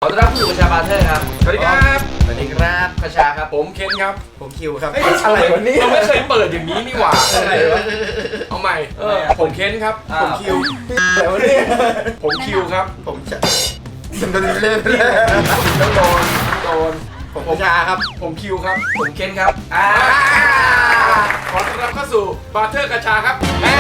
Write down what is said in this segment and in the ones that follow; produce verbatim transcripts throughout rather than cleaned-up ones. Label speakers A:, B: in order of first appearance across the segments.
A: อต้อนรับผู้อยู่ประชาบาเทอร์ครับสวัสดีครับสวัสดีครับประชาครับผมเคนครับ
B: ผมคิวครับ
A: อะไรวะนี่
C: เราไม่เคยเปิดอย่างนี้นี่หว่า
A: อะไรวะ
C: เอาใหม่เออผมเคนครับ
A: ผมคิว
B: อะไรวะเนี่ย
C: ผมคิวครับ
B: ผมจะมันเล่นเล่น
C: ต้องโดนโดน
B: ผมประชาครับ
C: ผมคิวครับ
A: ผมเคนครับอ่า
C: ขอต้อนรับเข้าสู่บาเทอร์กระชาครับ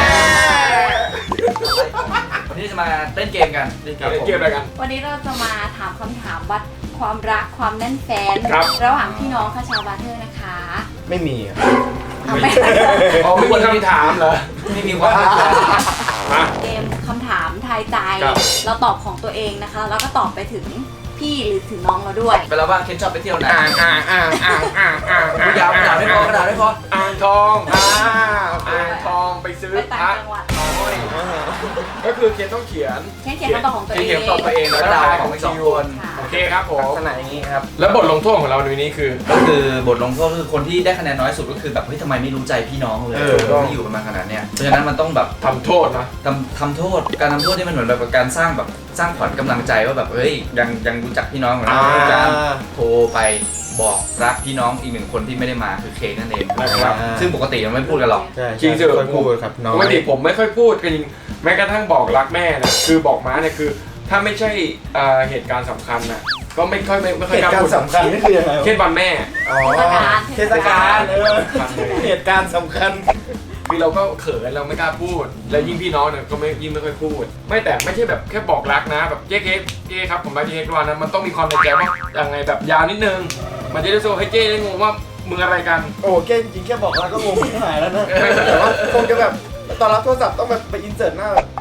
A: วันนี้จะมาเล่นเกมกัน
C: เล่นเกมอะไรกัน
D: วันนี้เราจะมาถามคำถามวัดความรักความแน่นแฟน
C: ระ
D: หว่างพี่น้องคาชาบาเทอร์นะคะ
B: ไม่มีอ่ะ
D: ไม่
C: อ๋อไม่มีคำถามเหรอ
A: ไม่มีว่า
D: เกมคำถามทายใจเราตอบของตัวเองนะคะแล้วก็ตอบไปถึงพี่หรือถึงน้องเราด้วย
A: ไปแล้วว่าเคนชอบไปเที่ยวไหน
C: อ่างอ่างอ่างอ่างอ่างอ่างอ่าง
A: ยาวกระดาษไม่พอกระดาษไม่พอ
C: อ่างทองอ่าอ่างทองไปซื้อ
D: ไปต่างจังหวัด
C: ก็คือเคนต้องเขียน
D: เขียนคำตอบของตัวเอง
C: เขียนตอบตัวเองแล้ว
A: ดา
C: ว
A: ของอีกสองคน
C: โอเคครับผม
B: ลักษณะอย่างนี้ครับ
C: แล้วบทลงโทษของเราในวันนี้คือ
A: ก็คือบทลงโทษคือคนที่ได้คะแนนน้อยสุดก็คือแบบเฮ้ยทำไมไม่รู้ใจพี่น้องเลยที่อยู่กันมาขนาดเนี้ยเพราะฉะนั้นมันต้องแบบ
C: ทำโทษนะ
A: ทำทำโทษการทำโทษที่มันเหมือนแบบการสร้างแบบสร้างขวัญกำลังใจว่าแบบเฮ้ยยังยังรู้จักพี่น้องของเราการโทรไปบอกรักพี่น้องอีกหนึ่งคนที่ไม่ได้มาคือเคนั่นเองนะครับซึ่งปกติเราไม่พูดกันหรอก
C: จริงๆ
B: ไม่พูดครับน้อง
C: ปกติผมไม่ค่อยพูดกันจริงแม้กระทั่งบอกรักแม่นะคือบอกม้าเนี่ยคือถ้าไม่ใช่เหตุการณ์สำคัญนะก็ไม่ค่อยไม่ไม่ค่อย
B: กล้าพูดสำคัญนี่คือยังไง
C: เช่นวันแม่
B: อ๋อเทศกาลเหตุการณ์สำคัญ
C: คือเราก็เขินเราไม่กล้าพูดและยิ่งพี่น้องเนี่ยก็ไม่ยิ่งไม่ค่อยพูดไม่แต่ไม่ใช่แบบแค่บอกรักนะแบบเจ๊เค้กเจ๊ครับผมรักเจ๊เค้กวันนั้นมันต้องมีความในใจว่ายังไงแบบยาวนิดนึงมันจะได้โซ่ให้เจ๊ได้งงว่ามึงอะไรกัน
B: โอ้เจ๊จริงแค่บอกรักก็งงไม่หายแล้วนะแต่ว่าคงจะแบบตอนรับโทรศัพท์ต้องแบบไปอินเสิร์ตหน้าแบบ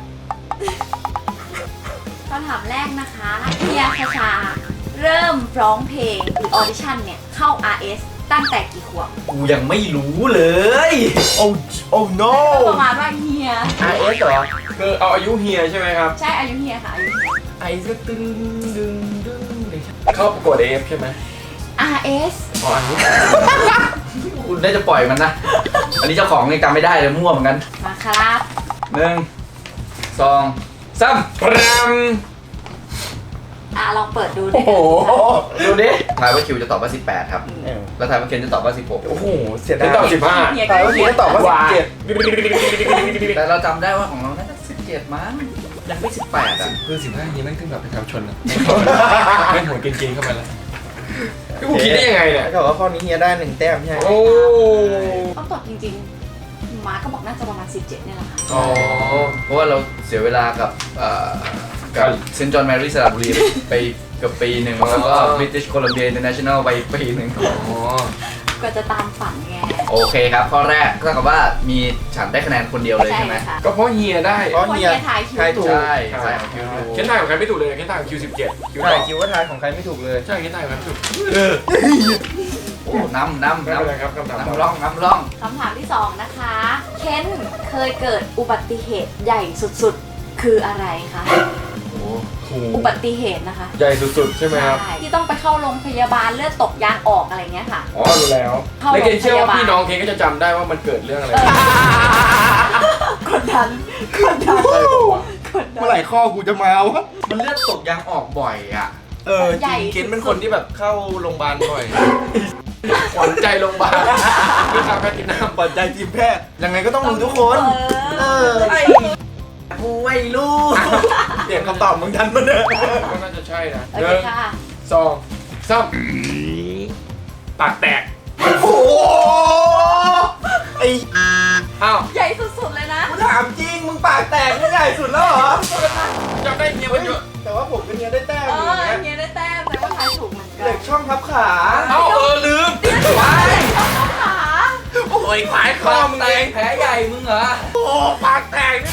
D: คำถามแรกนะคะเฮียคาชาเริ่มร้องเพลงหรือออดิชั่นเนี่ยเข้า อาร์ เอส ตั้งแต่กี่ขวบ
A: กูยังไม่รู้เลย
B: โอ้โอ้ no
D: ประมาณว่าเฮีย
B: อาร์ เอส เหรอ
C: คือเอาอายุเฮียใช่ไหมครับ
D: ใช่อายุเฮียค่ะอายุเฮีย
B: ไอ้ก็ตึงดึงดึง
C: เข้าประกวด เอ เอฟ ใช่ไหม
D: อาร์ เอส
C: อ๋ออันนี้
A: คุณได้จะปล่อยมันนะอันนี้เจ้าของยังจำไม่ได้เลยมั่วเหมือนกัน
D: มาครับ
A: หนึ่งสองสาม
C: พราม
D: อ่ะลองเปิดดูดิ
A: โอ้โหดูดิทายว่าคิวจะตอบว่าสิบแปดครับแล้วทายว่าเคนจะตอบว่าสิบหก
B: โอ้โหเสียดาย
C: ตอบสิบห้า
B: ทายว่าเคนจะตอบว่าสิบเจ็ด
A: แต่เราจำได้ว่าของเราน่าจะสิบเจ็ดมั้งยังไม่สิบแปดอ่ะ
C: คือสิบห้านี้แม่งขึ้นแบบประชาชนนะแม่งหัวเก่งๆเข้ามาแล้วกูคิดได้ยังไงเนี่ย
B: เขาบอกว่าข้อนี้เฮียได้หนึ่งแต้มใช่ไหม
C: โอ้
D: ต้องตอบจริงๆมาก็บอกน่าจะประมาณสิบเจ็ดเนี่ยแหละค่ะ
A: อ๋อเพราะว่าเราเสียเวลากับกับเซนต์จอห์นแมรี่สระบุรีไปเกือบปีหนึ่งแล้วก็ British Columbia International ไปปีหนึ่ง
D: ก็จะตามฝันไง
A: โอเคครับข้อแรกก็เท่ากับว่ามีฉันได้คะแนนคนเดียวเลยใช่ไหม
C: ก็เพราะเฮียได้
B: เพราะเฮีย
D: ทายคิว
A: ถูกใช่ใช่คิวถูก
C: เคนทายของใครไม่ถูกเลยเคนทายของคิวสิบเจ็ด
B: คิวใช่คิวว่าทายของใครไม่ถูกเลย
C: ใช่เคนทายของใครไม่ถูก
A: โอ้น้ำน้ำน้
C: ำครับน้ำ
A: น้ำร่องน้ำร่อง
D: คำถามที่สองนะคะเคนเคยเกิดอุบัติเหตุใหญ่สุดๆคืออะไรคะอุบัติเหตุนะคะ
C: ใหญ่สุดๆใช่ไหมครับ
D: ที่ต้องไปเข้าโรงพยาบาลเลือดตกยางออกอะไรเงี้ยค่ะ
C: อ๋อรู้แล้วแล้วเคนเชื่อว่าพี่น้องเคนก็จะจำได้ว่ามันเกิดเรื่องอะไร
D: กดดันกดดัน
B: เมื่อไหร่ข้อกูจะมาวะ
A: มันเลือดตกยางออกบ่อยอ่ะ
B: เออจริงเคนเป็นคนที่แบบเข้าโรงพยาบาลบ่อย
C: ขวัญใจโรงพยาบาลพี่ทำแพทย์กินน้ำ
B: ขวัญใจทีมแพทย์ยังไงก็ต้องรู้ทุกคนเออ
A: กูไม่รู้
B: เปลี่ยนคำตอบมึงทันมั้ยเนี่ย
C: ก็น่าจะใช่นะ
D: หนึ่ง
C: สองสามปากแตก
B: โอ้โหไอ้
C: อ้าว
D: ใหญ่สุดๆเลยนะ
B: กูถามจริงมึงปากแตกไม่ใหญ่สุดแล้วเหรอ
C: จำได้เฮียมันเยอะ
B: แต่ว่าผมเป็นเฮียได้แต้ม
D: เออเฮียได้แต้มแต่ว่าทายถูกเหมือนกัน
B: เหล็กช่องทับขา
C: เอ้าเออลืม
D: ไปขา
C: โอ้ยปากคอมึงเอง
A: แผลใหญ่มึงเหรอ
C: โอ้ปากแตก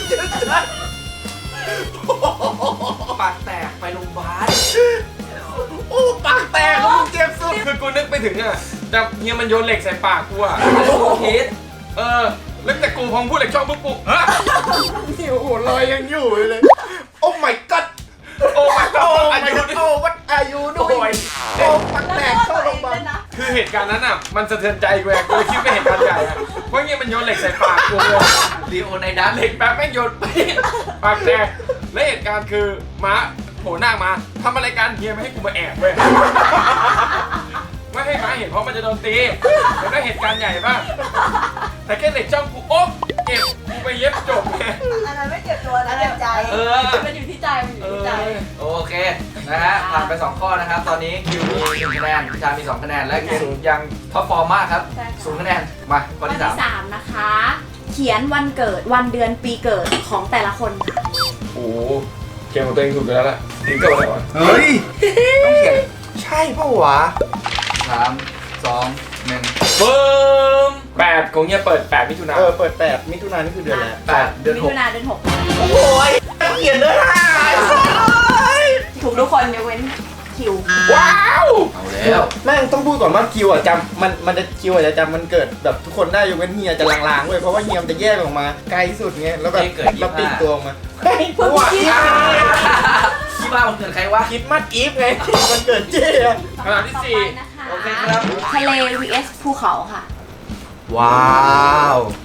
A: ปากแตกไปโรงพยาบาล
C: โอ้ปากแตกมึงเจ็บสุดคือกูนึกไปถึงอ่ะแต่เฮียมันโยนเหล็กใส่ปากกูอ่ะ
A: โอเค
C: เออแล้วแต่กูพองพูดเหล็กช่องปุ๊บปุ๊บฮะ
B: ที่หัวลอยยังอยู่เลยโอ้ my god
C: โอ้ my god
B: โอ้ my god โอ้ what are you doing โอ้ปากแตกเข้าโรงพยาบาล
C: คือเหตุการณ์นั้นอ่ะมันสะเทือนใจกูแกกูคิดว่าเหตุการณ์ใหญ่อ่ะเพราะเงี้ยมันโยนเหล็กใส่ปากกูเลย
A: ดีโอในด้าน
C: เหล็กแป๊บแม่งโยนไปปากแตกและเหตุการณ์คือม้าโผล่หน้ามาทำอะไรกันเฮียไม่ให้กูมาแอบเว้ยไม่ให้ม้าเห็นเพราะมันจะโดนตีมันได้เหตุการณ์ใหญ่ป่ะแต่แค่เหล็กจ้องกูโอ๊บเก็บกูไปเย็บจบไง
E: อันนั้นไม่เจ็บตัวนะเจ็บใจ
A: เออ
D: มันอยู่ที่ใจมันอยู่
C: เอ
D: ที่
C: อ
D: ใจ
A: โอเคนะฮะผ่านไปสองข้อนะครับ ตอนนี้คิวมีหนึ่งคะแนนพิชามีสองคะแนนและเกมยังท็อปฟอร์มมากครับ
D: ใช่ค่ะ
A: ศูนย์คะแนนมาข้อ
D: ข้อ
A: ที่
D: ที่
A: สาม
D: สามนะคะ เขียนวันเกิดวันเดือนปีเกิดของแต่ละคนค่ะ
C: โอ้โหเกมของตัวเองถูกไปแล้วล่ะถึงเกิดอะไรวะ
B: เฮ้ยต้องเขียนใช่ปะวะ
A: สามสองหนึ่ง
C: เฟิร์มแปดของเฮียเปิดแปดมิถุนา
B: เออเปิดแปดมิถุนายนนี่คือเดือนแล้ว
A: แปดเดือน
D: มิ
A: หก
D: ถุนาเดือนหก
B: โอ้ยเขียนได้ห้า
D: ถูกทุกคนยกเว้นคิว
C: ว้าว
A: เอาแล้ว
B: แม่งต้องพูดก่อนว่าคิวอ่ะจำมันมันจะคิวอ่ะจะจำมันเกิดแบบทุกคนได้ยกเว้นเฮียจะลางๆเว้ยเพราะว่าเฮียมันจะแยกออกมาไกลสุดไงแล้วแบบเราปิดตัวออกมาเฮ้ย
D: เพิ่ง
B: ว่า
D: คิด
A: ที่บ้านมันเกิดใครวะ
B: คิดมัดอีฟไงมันเกิดเจ๊อะ
C: ขนาดที่สี่
D: นะคะ
A: โอเคครับ
D: ทะเล วี เอส ภูเขาค่ะ
B: ว้าว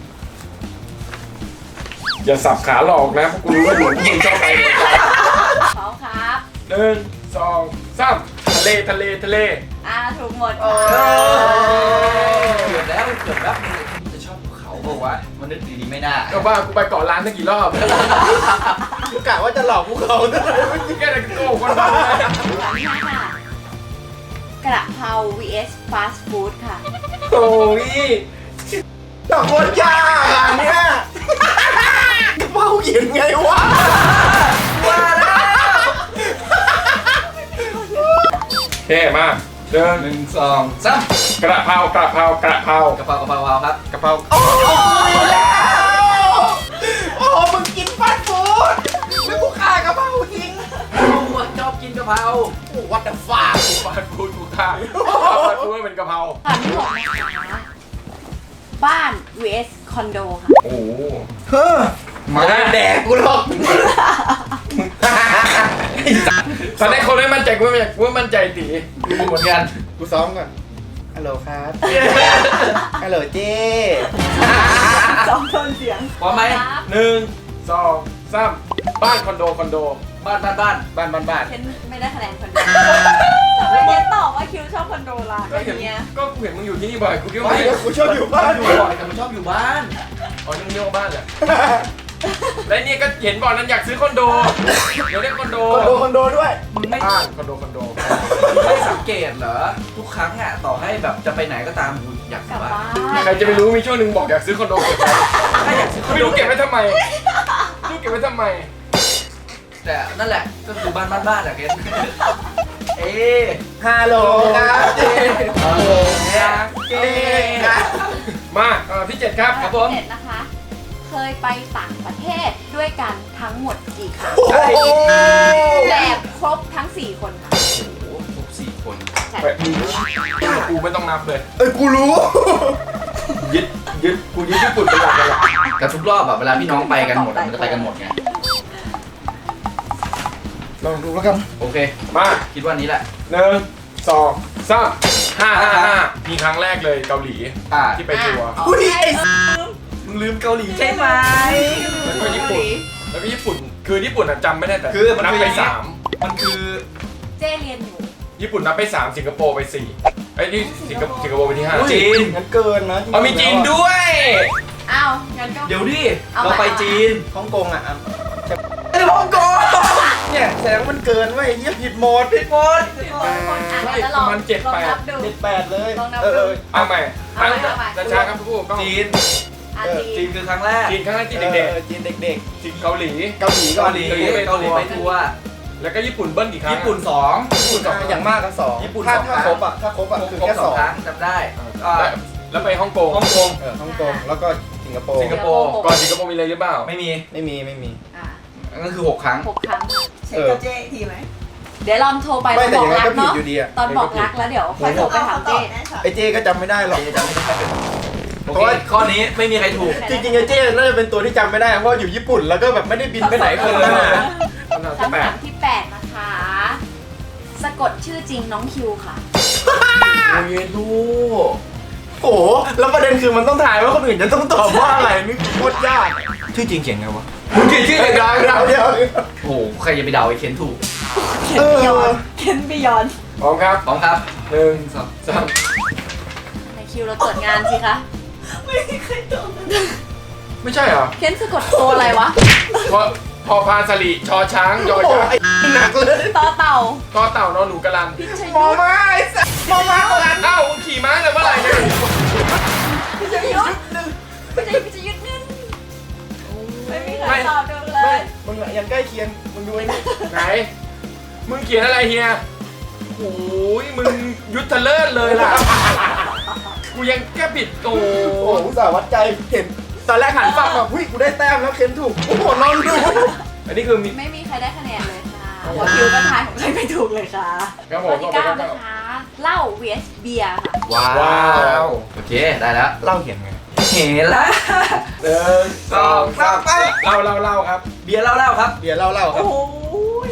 C: อย่าสับขาหลอกนะเพราะกูรู้ว่าหนูยิงชอบไปหมดเลย
D: เขาครับ
C: หนึ่งสองสามทะเลทะเลทะเล
D: อ่าถูกหมด
B: โอ้
D: ค่ะ
A: เกือบแล้วเกือบแล้วมันจะชอบภูเขาบอกว่าวะมันนึกดีๆไม่น่า
C: ก็ว่ากูไปเกาะล้านตั้งกี่รอบ
B: กะว่าจะหลอกพวกเขาด้วย
C: แค่ไหนก็โกหกคนมาเลย
D: ข้อที่ห้าค่ะ กระเพรา วี เอส ฟาสต์ฟู้ดค่ะ
C: โอ้ย
B: ดอกโคตรยากอ่ะเนี่ยเป้าเขียนไงวะ
A: ว่าแล้ว
C: เท่มากเดิน
A: หนึ่งสองสาม
C: กระเพรากระเพรากระเพราก
A: ระเพรากระเพราเอาครับ
B: กะเพราโอ้ยแล้วโอ้มึงกินฟาสต์ฟู้ดแล้วกูฆ่ากะเพราทิ้ง
A: โอ้โหชอบกินกะเพรา
B: โอ้วัดเดอะฟา
C: ฟาดฟูดกูฆ่าฟาดฟูดเป็นกระเพรา
D: ข้อที่หกนะคะบ้าน วี เอส คอนโดค่ะ
C: โอ้โห
B: เฮ้อมาแดกกูหรอก
C: ตอนแรกคนไม่มั่นใจกูไม่มั่นใจกูไม่มั่นใจตี
A: ดูเหมือนกัน
B: กูซ้อมก่อนฮัลโหลครับฮัลโหลเจ้
E: สองโทนเสียง
A: พร้อมไหม
D: ครับ
C: หนึ่งสองสามบ้านคอนโดคอนโด
A: บ้านบ้านบ้าน
B: บ้านบ้านบ้าน
D: เคนไม่ได้คะแนนคอนโดแต่ไม่เคนตอบว่าคิวชอบคอนโดล่ะ
C: ก็เห็น
D: เนี้ย
C: ก็กูเห็นมึงอยู่ที่นี่บ่อยกูคิดว่า
B: ไม่
C: ไม่
B: กูชอบอยู่บ้าน
A: อยู่บ่อยแต่มันชอบอยู่บ้าน
C: อ๋อยังเรียกว่าบ้านเลยและนี่ก็เห็นบ่อยนั้นอยากซื้อคอนโดเดี๋ยวได้คอนโด
B: คอนโดคอนโดด้วย
A: มึงไม่
C: บ้านคอนโดคอนโด
A: มึงไม่สังเกตเหรอทุกครั้งอ่ะต่อให้แบบจะไปไหนก็ตามกูอยากอก
D: ลั
A: ยู่
D: บ
A: บ้า
D: บ้าน น
C: ใครจะไปรู้มีช่วงหนึ่งบอกอยากซื้อคอนโดเก็บไว้
A: ถ้าอยากซื้อคอน
C: ไม่
A: โด
C: รู้เก็บไว้ทำไมไม่รู้เก็บไว้ทำไม
A: แต่นั่นแหละก็คือบ้านบ้านบ้านอะเกนเอ๊ะ
B: ฮัลโหลครับเจ้
A: โอ้โหเจ๊
C: มาเออที่เจ็ดครับ
A: ครับผม
D: เจ็ดนะคะ เคยไปต่างประเทศด้วยกันทั้งหมดกี่ครั้ง
B: โอ้โห
D: แบบครบทั้งสี่คนค่ะ
A: โอ้โหครบสี่คน
D: ใช่
C: ไปกูไม่ต้องนับเลย
B: เอ้ยกูรู้
C: ยึดยึดกูยึดญี่ปุ่นเป็นหลักเลยอะ
A: แต่ทุกรอบอะเวลาพี่น้องไปกันหมดอะมันจะไปกันหมดไง
B: ลองดูแล้วกัน
A: โอเค
C: มา
A: คิดว่านี้แหละ
C: หนึ่งสองสามห้าห้าห้ามีครั้งแรกเลยเกาหลี
A: อ่า
C: ที่ไปทัวร์
B: อุ้ยไอ้
A: มึงลืมเกาหลีใช่ไหม
C: แล้วก็ญี่ปุ่นแล้วก็ญี่ปุ่นคือญี่ปุ่นอะจำไม่ได้แต่
A: คือมัน
C: นับ
A: คือ
C: ไป
A: อย่างนี้
C: สาม
A: มันคือ
D: เจ้เรียนอยู่
C: ญี่ปุ่นนับไปสามสิงคโปร์ไปสี่ไอ้ยนี่สิงคโปร์สิงคโปร์ไปที่ห้า
A: จีน
B: งั้นเกินนะ
C: เอามีจีนด้วย
D: อ้าวงั้นก็
A: เดี๋ยวดิ
D: เอา
A: เรา
D: มา
A: ไปจีน
B: ฮ่องกงอ่ะอ่ะ
A: ไอ้ฮ่องกง
B: เนี่ยแสดงว่ามันเกินเว้ยเยี่ยผิดโหมด
A: ผิดหมด
D: ทุกคนคนอ่านแล้วลองลองนับดู
B: เจ็ดแปดเลย
D: ลองนับ
B: เออ
D: ดู
B: เออ
C: เอาใหม่
D: เอาใหม่
C: ตั้ง
D: เอาใหม่
C: แต่ช้าครับผู้ก็
A: จีน
D: อา
B: เออ
D: จี
A: จีนคือครั้งแรก
C: จีนครั้งแรกที่
B: เด็
C: เด็
B: ก
C: ก
B: ๆจีนเด็ก
C: ๆจีนเกาหลี
B: ๆ เกาหลี
A: เกาหลี
C: เกาหลีไป
A: เกาหลี
C: ทัวร์
A: ไปทัวร์
C: แล้วก็ญี่ปุ่นเบิ้ลกี่ครั้ง
A: ญี่ปุ่นสอง
C: ญี่ปุ่นสอง
B: อ่ะอย่างมากก็สอง
A: ญี่ปุ่น
B: ถ้า
A: สอง
B: ถ้า
A: ครั้ง
B: ครบอ่ะถ้าครบอ่ะคือ
A: ครบ
B: แค่
A: ส
B: ส
A: อ
B: อง ง
A: ครั้งจำได้อ่า
C: แล้วแล้วไปฮ่องกง
A: ฮ่องกง
B: เออฮ่องกงแล้วก็สิงคโปร์
C: สิงคโปร์ก่อนสิงคโปร์มีอะไรหรือเปล่า
A: ไม่มี
B: ไม่มีไม่มี
D: อ่ะ
A: นั่นคือหกครั้ง
D: หกครั้งค่ะ
E: เช็คกับเจ๊อีกทีไหม
D: เดี๋ยวลองโทรไป
B: ไม่
D: ต
B: แต่
D: อน
B: ยั
D: บ
B: ง
D: อก
B: ไง
D: รัก
B: ก็ผิด
D: เนาะ
B: อยู่ดีอ่ะ
D: ตอนบอกรักแล้วเดี๋ยวค่อยโทรไปถามเจ้
B: ไอ้เจก็จำไม่ได้หรอก
A: เจ๊จำไม่ได้โอเคข้อนี้ไม่มีใครถูก
B: จริงๆไอ้เจน่าจะเป็นตัวที่จำไม่ได้เพราะอยู่ญี่ปุ่นแล้วก็แบบไม่ได้บินไปไหนคนละ
C: คำถามที่
D: คำ
C: แป
D: ถา
C: ด
D: มที่แปดนะคะ สะกดชื่อจริงน้องคิวค่ะ
A: โอ้ยดู
B: โอ้โหแล้วประเด็นคือมันต้องถ่ายว่าคนอื่นจะต้องตอบว่าอะไรนี่โคตรยากชื่อจริงเขียนไงวะ
A: มึงเขียนชื่อ
B: เดี๋ยวเดี๋ยวเดี๋ยว
A: โอ้โหใครจะไปเดาไอ้เคนถูก
B: เ
E: เคนบิยอนเคนบิยอน
C: พร้อมครับ
A: พร้อมครับ
C: หนึ่ง
A: สอง
C: สาม
D: ในคิวเราตรวจงานสิคะ
E: ไม่มีใครตอบเลย
C: ไม่ใช่เหรอ
D: เคนสะกดโตอะไรวะ
C: พอพอพานสลีชอช้างยอ
B: โอ้โห
C: ยักษ์
B: ไอ้หนักเลย
D: ต่อเต่า
C: ก็เต่านอนหนูกระลัน
D: พิช
B: มอ
D: ยุทธ
B: มาไอ้สัสมอมาโบราณ
C: เอ้ามึงขี่ม้าเลยเมื่อไหร่เนี่ย
D: พิชยุทธพิชยุทธพิชยุทธนั่นไม่มีใครตอบดูเล
B: ไม่
D: ย
B: มึงอะยังใกล้เคียงมึงดูไอ้นี่
C: ไหน มึงเขียนอะไรเฮียโอ้ยมึงยุทธเลิศเลยล่ะ กูยังแก้ผิดโอ้
B: โอ้โหอุตส่าห์วัดใจเห็นตอนแรกหันฝั่งแบบหุ้ยกูได้แต้มแล้วเคนถูกโอ้โหนอนดู
C: อันนี้คือมี
D: ไม่มีใครได้คะแนนเลยค่ะหัวคิวก็ทายของใครไม่ถูกเลยค่ะ
C: ครับผ
D: ข้อ
C: ม
D: ที่
C: ก็
D: เก้า
C: ไป
D: นะคะเหล้า vs เบียร์ค่ะ
B: ว้า
C: ว้าว
A: โอเคได้แล้ว
B: เล่าเขียนไง
A: เห็นละ
C: หนึ่งสองสามเล่าเล่าเล่าครับ
A: เบียร์เล่าๆครับ
B: เบียร์เล่าเล่าครับ
D: โอ้ย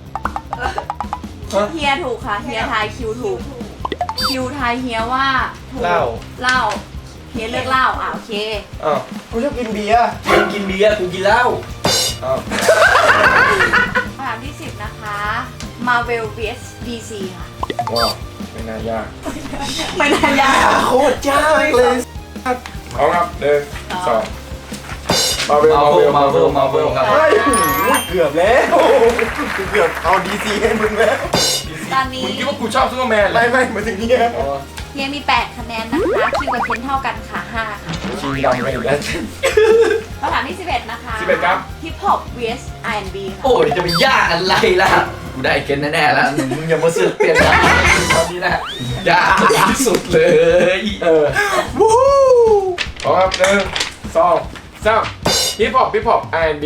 D: เฮียถูกค่ะเฮียทายคิวถูกคิวทายเฮียว่าถูก
B: เล่า
D: เหล้าเฮียเลือกเหล้าอ่ะโอเค
C: อ้าว
B: กูชอบกินเบียร์
A: มึงกินเบียร์กูกินเหล้า
C: อ้าว
D: คำถามที่สิบนะคะ Marvel vs ดี ซี ค่ะ
C: ว้าวไม่น่ายาก
D: ไม่น่ายาก
B: โคตรยากเลย
C: พร้อมครับหนึ่งสองมาเวล
A: มา
C: มา
A: เว
C: เว
A: ล
C: ล
A: มาเวลมาเวลครับ
B: ไอ้หูเกือบแล้วกูเกือบเอาดีซีให้มึงแล้ว
D: ตอนนี้
C: มึงคิดว่ากูชอบซูเปอร์แมนเหรอ
B: ไม่ไม่มาถึงเนี่ย
C: อ๋อ
D: เฮียมี แปด คะแนนนะคะ คิวกับเคนเท่ากันค่ะ ห้า ค่ะ
C: ชิงดำไปอีกแล้ว
D: คำถามที่สิบเอ็ดนะคะ
C: สิบเอ็ดครับ
D: Hip Hop vs อาร์ แอนด์ บี ค่ะ
A: โอ้ยจะไปยากอะไรล่ะ กูได้เกณฑ์แน่ๆแล้ว มึงอย่ามาเสือกเปลี่ยนนะตอนนี้นะยากที่สุดเลย
C: เออ
B: วู้
C: พร้อมครับหนึ่งสองสามฮิปฮอปฮิปฮอป อาร์ แอนด์ บี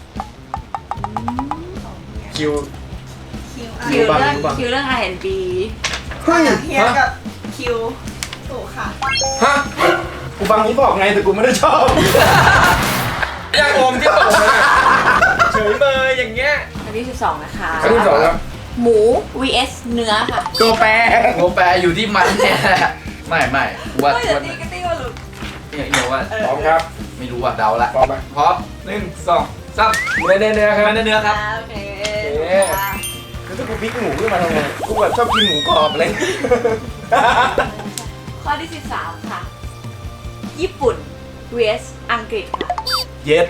C: คิว
E: คิว
D: คิวเรื่องคิวเรื่อง อาร์ แอนด์ บี
B: เฮ้ย
E: เฮียกับคิวถูกค่ะ
C: ฮะ
B: กูฟังนี้บอกไงแต่กูไม่ได้ชอบ
C: ยังอมที่ตกเลยอะเฉยเมยอย่างเงี้ย
D: คำที่สิบสองนะคะ
C: ครั้งที่สองครับ
D: หมู vs เนื้อค่ะ
B: ตัวแปร
A: โมแปรอยู่ที่มันเนี่ยแหละไม่ไม่กูว่า
E: ไม่
A: กู
E: แต่
A: ว่า
E: ตีก็ตีว่าหลุด
A: เนี่ยเอียวว่า
C: พร้อมครับ
A: ไม่รู้ว่าเดาละ
C: พร้อมไหม
A: พร้อมหนึ่งสองสาม
C: เนื้อเนื้อเนื้อครับ
A: มันเนื้อครับ
E: โอเค
C: โอเค
B: คือถ้ากูพลิกหมูขึ้นมาทำไงกูแบบชอบกินหมูกรอบอะไร
D: ข้อที่สิบสามค่ะ ญี่ปุ่น vs อังกฤษค่ะ
B: เย็ด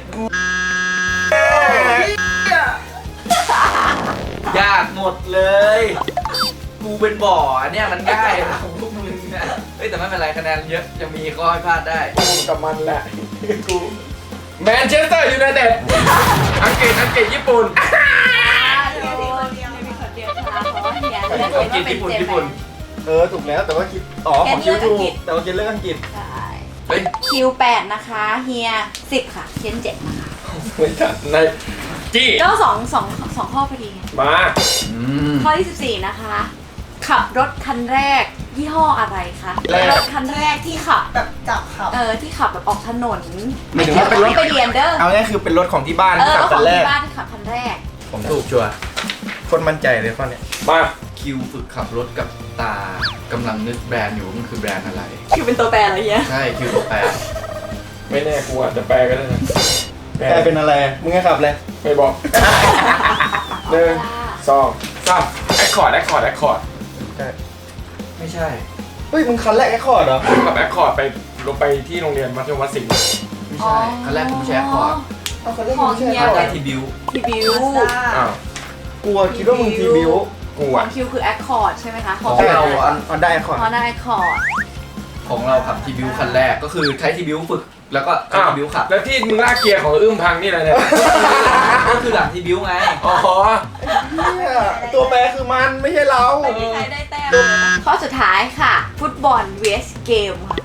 A: ยากหมดเลย กูเป็นบ่ออันเนี่ยมันง่ายนะของพวกมึงนะเฮ้ยแต่ไม่เป็นไรคะแนนเยอะจะมีข้อให้พลาดได้
C: กูกับมันแหละ กูแมนเชสเตอร์ยูไนเต็ดอังกฤษอังกฤษญี่ปุ่น
E: เฮียมีคนเดียว
D: ไม่มีคนเดียวค่ะเพราะว่าเฮียเลือก
A: อังกฤษญี่ปุ่นญี่ปุ่น
B: เออถูกแล้วแต่ว่าคิดอ๋อของคิวถูกแต่ว่าคิดเรื่องอังกฤษ
D: ใช่
A: เฮ้ย
D: คิวแปดนะคะเฮียสิบค่ะเคนเจ็ดนะคะ
C: ไม่ทันในจี้
D: ก็สองสองสองข้อพอดีไง
C: มา
A: อืม
D: ข้อที่สิบสี่นะคะ ขับรถคันแรกยี่ห้ออะไรคะรถคันแรกที่ขับ
E: แบบจับเขา
D: เออที่ขับแบบออกถนน
B: หมายถึงว่าเป็นรถ
D: ไม่ไปเรียนเด้อ
B: เอาง่ายคือเป็นรถของที่บ้าน
D: เอ
B: ที่
D: อ
B: ขับ
D: เอาข
B: กั
D: อน ง
B: แรก
D: ที่บ้านที่ขับคันแรก
A: ผมถูกชัวร์
B: คนมั่นใจเลยข้อเนี้ย
C: มา
A: คิวฝึกขับรถกับตากำลังนึกแบรนด์อยู่มันคือแบรนด์อะไร
D: คิวเป็นตัวแปรอะไรเงี้ย
A: ใช่คิวตัวแปร
C: ไม่แน่กูอาจจะแปลก็ได้นะ
B: แกเป็นอะไรมึงให้ขับเลย
C: ไม่บอกหนึ่งสองสามแอคคอร์ดแอคคอร์ดแอคคอร์ด
B: ใช่
A: ไม่ใช่
B: เฮ้ยมึงคันแรกแค่คอร์ดเหรอ
C: กับแอคคอร์ดไปลงไปที่โรงเรียนมัธยมวัดสิงห์
A: ไม่ใช่คันแรกกูไม่ใช่แอคคอร์ด
B: เอาคันแรก
D: ของ
B: มึง
D: เฮี
B: ใช่
D: ย
B: แอคคอ
A: ได้
B: ร์ด
A: ทีบิว
D: ทีบิว
E: มาสด้า
C: อ้าว
B: กลัวคิดว่ามึงทีบิว
C: กู
D: ขอ
C: อ่ะ
D: งคิวคือแอคคอร์ดใช่ไหมคะ
A: ของ
B: ใช่
A: เรา
B: อันอันได้แอคคอร์ด
D: ฮอนด้าแอคคอร์ด
A: ของเราขับทีบิวคันแรกก็คือใช้ทีบิวฝึกแล้วก็ใช้
C: อ้าว
A: ทีบิวขับ
C: แล้วที่มึงลากเกียร์ของอึ้มพังนี่อะไรเนี่ย
A: ก็คือหลังทีบิวไง
C: อ๋อ
B: เนี่ยตัวแปรคือมันไม่ใช่เรา
D: ไม่มีใครได้แต้มเลยนะข้อสุดท้ายค่ะ ฟุตบอล vs เกมค่ะ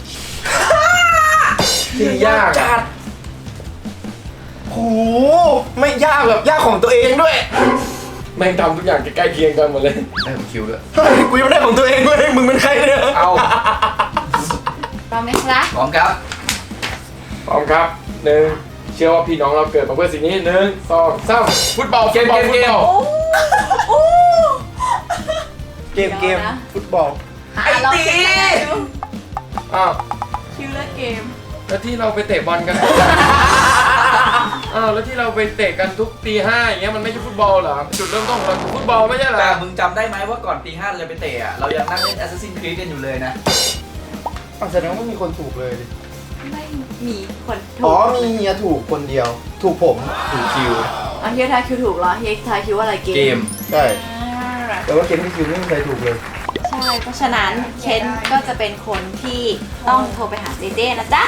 C: ที่ยาก
B: จั
C: อะ
B: ดโหไม่ยากแบบยากของตัวเองด้วย
C: แม่งทำทุกอย่างใกล้ๆเคียงกันหมดเลย
A: ได้ของคิวด้วย
B: เฮ้ยกูยังไม่ได้ของตัวเองเลยมึงเป็นใครเนี่ย
C: เอา
D: พร้อมไหมครับ
A: พร้อมครับ
C: พร้อมครับหนึ่งเชื่อว่าพี่น้องเราเกิดมาเพื่อสิ่งนี้หนึ่งสองสามฟุตบอลฟุตบอลฟุตบอล
D: โอ้โอ้
B: เกมเกมฟุตบอล
D: อ่ะเราเช็คคะแนนดู
C: อ้าว
D: คิวเลือกเกม
C: แล้วที่เราไปเตะบอลกัน
D: อ
C: อ้าวแล้วที่เราไปเตะกันทุกตีห้าอย่างเงี้ยมันไม่ใช่ฟุตบอลเหรอจุดเริ่มต้นของเราคือฟุตบอลไม่ใช่เหรอ
A: แต่มึงจำได้ไหมว่าก่อนตีห้าเราจะไปเตะอะเรายังนั่งเล่น Assassin's Creed กันอยู่เลยนะ
B: อ๋อแสดงว่ามีคนถูกเลยดิ
D: ไม่มีคนถู
B: อ๋อก มีเฮียถูกคนเดียว ถูกผม
A: ถูกคิว
D: อ่ะเฮียทายคิวถูกเหรอเฮียทายคิวว่าอะไรเก
A: เกม
B: ใช่
D: อ่า
B: แต่ว่าเคนที่คิวไม่มีใครถูกเลย
D: ใช่เพราะฉะนั้นเคนก็จะเป็นคนที่ต้องโทรไปหาเจเจนะจ๊ะ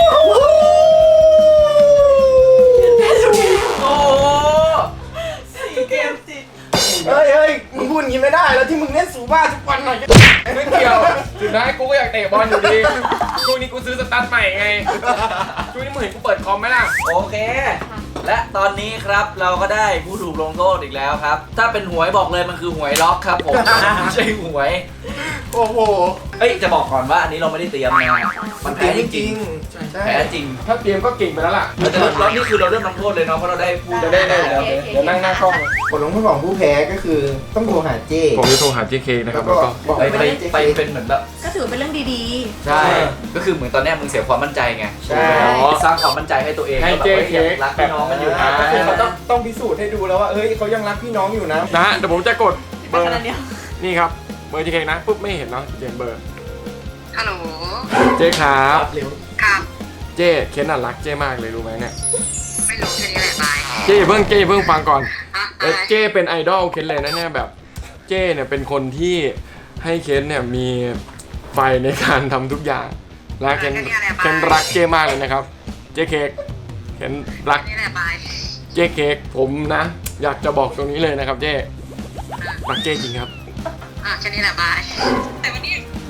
A: โอ้
E: สี่เกมติด
B: เฮ้ยเฮ้ยมึงพูดอย่างนี้ไม่ได้แล้วที่มึงเล่นสูบ้าทุกวันหน่อย
C: ไม่เกี่ยวสุดท้ายกูก็อยากเตะบอลอยู่ดีช่วงนี้กูซื้อสตาร์ทใหม่ไงช่วงนี้มึงเห็นกูเปิดคอมไหมล่ะ
A: โอเค และตอนนี้ครับเราก็ได้ผู้ถูกลงโทษอีกแล้วครับ ถ้าเป็นหวยบอกเลยมันคือหวยล็อกครับผม ไม่ใช่หวย
B: โอ้โห
A: เอ้ยจะบอกก่อนว่าอันนี้เราไม่ได้เตรียมนะมันแพ้จริง
B: ใช่
A: ๆแพ้จริง
C: ถ้าเตรียมก็เก่งไปแล้วล่ะ
A: เราจะแล้วนี่คือเราเริ่มลงโทษเลยเนาะเพราะเราได้พูด
C: จะได้ได้เดี๋ยวเดี๋ยวนั่งหน้ากล้อง
B: ผลลงโทษของผู้แพ้ก็คือต้องโทรหาเจ้
C: ผมจะโทรหา เจ เค นะครับแล้วก็
B: บอก
A: ไป
B: ไป
A: ไป
B: เจ้
A: ไปเป็นเหมือนแบบ
D: ก็ถือเป็นเรื่องดี
A: ใช่ ก็คือเหมือนตอนเนี้ยมึงเสียความมั่นใจไง
B: ใช่
A: สร้างความมั่นใจให้ตัวเอง
C: ให้
A: ว่าแบบ
C: เจ
A: เฮ้ย
C: เค
A: ยังรักพี่น้องกันอยู่นะ
B: ก็คือเขาต้องต้องพิสูจน์ให้ดูแล้วว่าเฮ้ยเขายังรักพี่น้องอยู่นะ
C: นะฮะเดี๋ยวผมจะกด
D: ๆ
C: เบ
D: ไป
C: อร์
D: ขนาดเดียว
C: นี่ครับเบอร์ เจ เค นะปุ๊บไม่เห็นเนาะเจนเบอร์
F: ฮัลโหล
C: เจครับ
B: เร็ว
F: ครับ
C: เจเคนน่ะรักเจมากเลยรู้ไหมเนี่ย
F: ไม่รู้แค่นี้แหละบาย
C: เจเพิ่งเจเพิ่งฟังก่อน
F: อ่ะ
C: เอ้ย
F: อะไร
C: เจเป็นไอดอลเคนเลยนะเนี่ยแบบเจเนี่ยเป็นคนที่ให้เคนเนี่ยมีไฟในการทำทุกอย่างและเคนเคนรักเจมากเลยนะครับเจเค้กเคนรัก
F: แค่นี้แหละบาย
C: เจเค้กผมนะ อยากจะบอกตรงนี้เลยนะครับเจรักเจจริงครับ
F: อ่ะแค่นี้แหละบายแต่วันนี้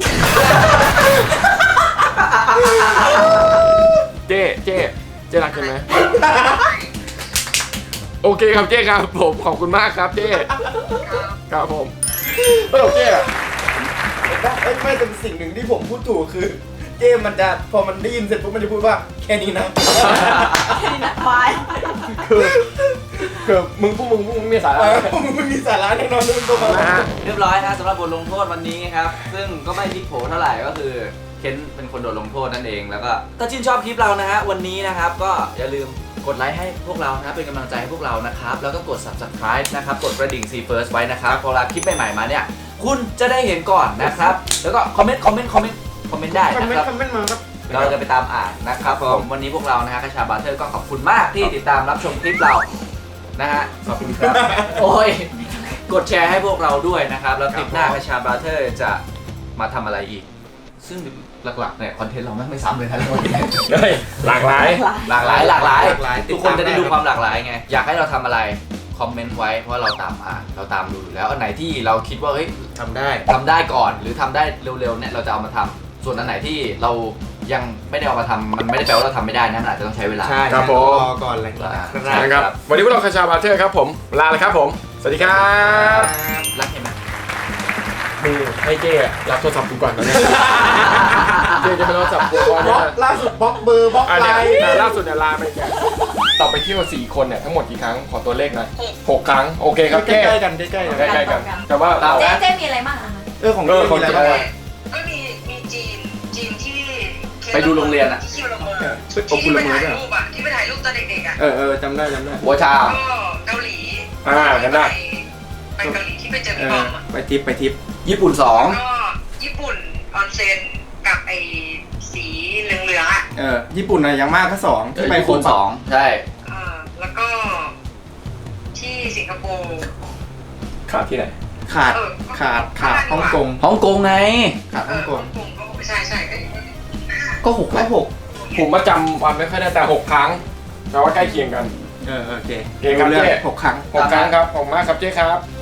C: เจเจเจรักเคนไหมโอเคครับเจครับผมขอบคุณมากครับเจครับผมเฮ้ยเจอะ
B: เอ้ยไม่แต่สิ่งหนึ่งที่ผมพูดถูกคือ เจ้มันจะพอมันได้ยินเสร็จปุ๊บมันจะพูดว่าแค่นี้นะ
D: บาย
C: คือคือมึงพวกมึงพวกมึงมีสา
B: เอ
C: ระ
B: อมึงไม่มีสาระแน่นอนมึงตัว
C: นะฮะ
A: เรียบร้อยนะสำหรับบทลงโทษวันนี้ครับ ซึ่งก็ไม่พลิกโผเท่าไหร่ก็คือเคนเป็นคนโดนลงโทษนั่นเองแล้วก็ถ้าชื่นชอบคลิปเรานะฮะวันนี้นะครับก็อย่าลืมกดไลค์ให้พวกเรานะเป็นกำลังใจให้พวกเรานะครับแล้วก็กด ซับสไครบ์ นะครับกดกระดิ่ง ซี เฟิร์ส ไว้นะครับพอเวลาคลิปใหม่ๆมาเนี่ยคุณจะได้เห็นก่อนนะครับแล้วก็คอมเมนต์คอมเมนต์คอมเมนต์คอมเมนต์ได้
B: คอม
A: นะ
B: เมน
A: ครับ
B: ต์คอมเมนต์มาครับ
A: เราจะไปตามอ่านนะครับผมวันนี้พวกเรานะฮะคาชาบาร์เทอร์ก็ขอบคุณมากที่ติดตามรับชมคลิปเรานะฮะขอบคุณครับ โอ้ยกดแชร์ให้พวกเราด้วยนะครับแล้วคลิปหน้าคาชาบาร์เทอร์จะมาทำอะไรอีก ซึ่งหลักๆเนี่ยคอนเทนต์เราไม่ไม่ซ้ำเลยนะทุกคน
C: เฮ้ยหลากหลาย
A: หลากหลายหลากหลาย
B: หลากหลาย
A: ทุกคนจะได้ดูความหลากหลายไงอยากให้เราทำอะไรคอมเมนต์ไว้เพราะเราตามอ่านเราตามดูอยู่แล้วอันไหนที่เราคิดว่าเฮ้ย
B: ทำได้
A: ทำได้ก่อนหรือทำได้เร็วๆเนี่ยเราจะเอามาทำส่วนอันไหนที่เรายังไม่ได้เอามาทำมันไม่ได้แปลว่าเราทำไม่ได้นะมันอาจจะต้องใช้เวลา
B: ใช่
C: ครับผม
B: รอก่อนอะไรอย่างเงี้ย
C: นะครับวันนี้พวกเราคาชาบาเทอร์ครับผมลาเลยครับผมสวัสดีครับ
A: รักเห็นไหม
C: มึงให้เจ๊รับโทรศัพท์กูก่อนนะเนี่ยเจ๊จะไปโทรศัพท์กูก่อน
B: บล็
C: เนี่
B: อย กล่าสุดบล็อกเบอร์บล็อก
C: อัน
B: ไล
C: เนี้ย
B: น์
C: ล่าสุดเนี่ยลาไปแกต่อไปเที่ยวสี่คนเนี่ยทั้งหมดกี่ครั้งขอตัวเลขหน่อยหกครั้งโอเคครับ
B: ใก
C: เจ๊
B: ล้ๆกันใกล้ๆกัน
C: ใกล้ๆกันแต่ว่า
A: เรา
D: เจ๊
A: นะ
D: เจ๊มีอะไรบ้างอะคะ
B: เออของ
C: เออของ
B: มีะไร
C: เจ๊
B: บ้างวะ
F: ก็มีมีจีนจีนที่
A: ไปดูโรงเรียนอะ
F: ที่คิวละเมอ
B: โอ้คุณ
F: ที่ไป
B: ละเมอ
F: ถ่าย
B: ด้วย
F: รูปอะที่ไปถ่ายรูปตอนเด็กๆอะ
B: เออเออจำได้จำได้
A: หัวชา
F: ก็เกาหลี
C: อ่ากันได้
F: ไปเกาหลีที่ไปเจอ
B: เอ
F: พี่บ
B: อ
F: อมอะ
B: ไปทิปไปทิป
A: ญี่ปุ่นสอง
F: ก็ญี่ปุ่นออนเซ็นกับไอ้สีเหลืองๆอะ
B: เออญี่ปุ่นอะยังมากก็สองที่ไป
A: ญี่ปุ่น
B: โค
A: ส
B: ปะ
A: องใช่
F: อ่าแล้วก็ที่สิงคโปร์
C: ขาดที่ไหน
B: ขาดขาดขาดฮ่องกง
A: ฮ่องกงไง
B: ขาด
F: เอ
B: ฮ่อง
F: อก
B: ง
F: ฮ่องกงก็ใช่ใช่เอ้ย
A: ก็หก
B: แค่หก
C: ผมมาจำวันไม่ค่อยได้แต่หกครั้งแปลว่าใกล้เคียงกัน
B: เออโอเค
C: โอเคครับ
B: รู้เรื่อง
C: เจ๊
B: หกครั้ง
C: หกครั้งครับขอบคุณมากครับเจ๊ครับ